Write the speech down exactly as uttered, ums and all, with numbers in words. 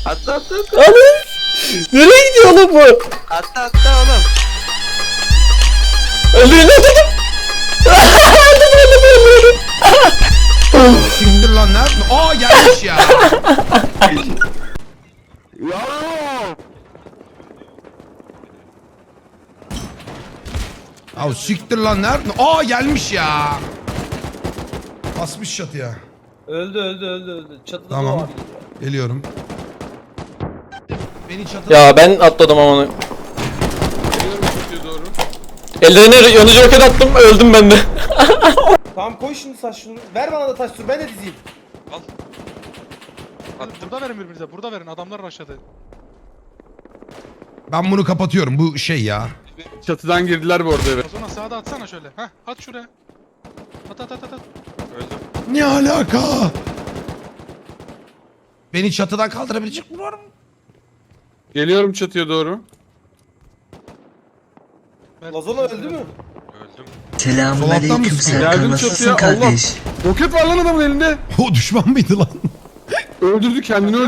Atla atla atla. Anam. Nereye gidiyor oğlum bu? Atla atla oğlum. Öldürün öldürdüm. Öldüm öldüm öldüm. Siktir lan nerede? Aa gelmiş ya. Ya siktir lan nerede? Aa gelmiş ya. Basmış çatıya. Öldü öldü öldü öldü. Çatıda Tamam. da var. Geliyorum. Beni çatıda... Ya ben atladım ama. Geliyorum çatıya doğru. Ellerine yanıcı roket attım, öldüm ben de. Tamam koy şimdi saç şunu. Ver bana da taş dur ben de dizeyim. Al. Hadi burada verin birbirinize. Burada verin. Adamlar aşağıda. Ben bunu kapatıyorum. Bu şey ya. Çatıdan girdiler bu arada eve. Sonra sağda atsana şöyle. Heh, at şuraya. At at at at. at. Öldüm. Ne alaka? Beni çatıdan kaldırabilecek mi var mı? Geliyorum çatıya doğru. Ver- Lazona öldü mü? Öldüm. Solaktan Selamünaleyküm mısın? Serkan, Geldim nasılsın çatıya, Allah. kardeş? Roket var lan adamın elinde. O düşman mıydı lan? Öldürdü kendini